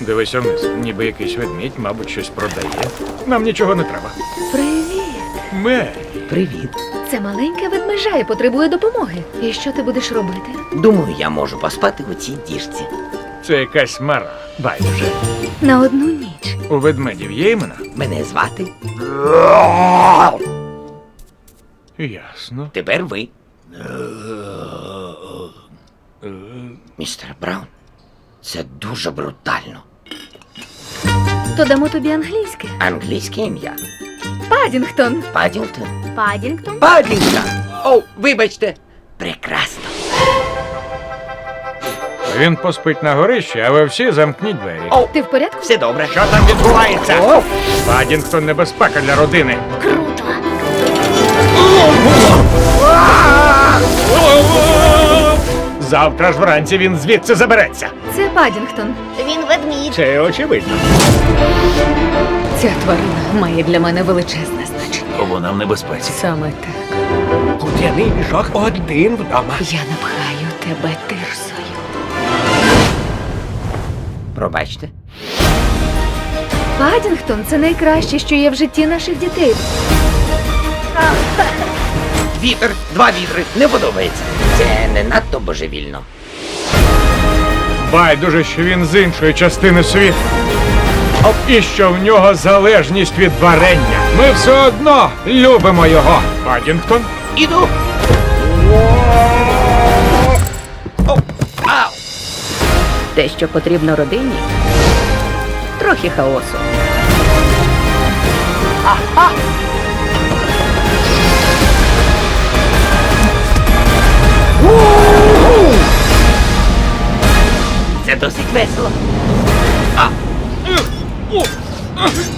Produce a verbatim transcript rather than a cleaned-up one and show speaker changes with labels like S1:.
S1: Дивись вниз, ніби якийсь ведмідь, мабуть, щось продає. Нам нічого не треба.
S2: Привіт.
S1: Мері,
S3: Привіт.
S2: Це маленька ведмежа і потребує допомоги. І що ти будеш робити?
S3: Думаю, я можу поспати у цій діжці.
S1: це якась мара. Байдуже.
S2: На одну ніч.
S1: У ведмедів є імена?
S3: Мене звати.
S1: Ясно.
S3: Тепер ви. Містер Браун, це дуже брутально.
S2: То дамо тобі англійське.
S3: Англійське ім'я.
S2: Падінгтон.
S3: Падінгтон.
S2: Падінгтон?
S3: Падінгтон! О, вибачте. Прекрасно.
S1: Він поспить на горищі, а ви всі замкніть двері.
S3: О,
S2: Ти в порядку?
S3: все добре.
S1: Що там відбувається?
S3: О!
S1: Падінгтон — небезпека для родини.
S2: Круто.
S1: Завтра ж вранці він звідси забереться.
S2: Це Падінгтон.
S4: Він ведмідь.
S1: Це очевидно.
S2: Ця тварина має для мене величезне значення.
S1: Вона в небезпеці.
S2: Саме так.
S5: Кудряний мішок один вдома.
S2: Я напхаю тебе тирсою.
S3: Пробачте.
S2: Падінгтон — це найкраще, що є в житті наших дітей.
S3: Вітер, два вітри, не подобається. Це не надто божевільно.
S1: Байдуже, що він з іншої частини світу. І що в нього залежність від варення. Ми все одно любимо його. Падінгтон?
S3: Іду. О, ау.
S6: Те, що потрібно родині, трохи хаосу.
S3: Це досить весело. А.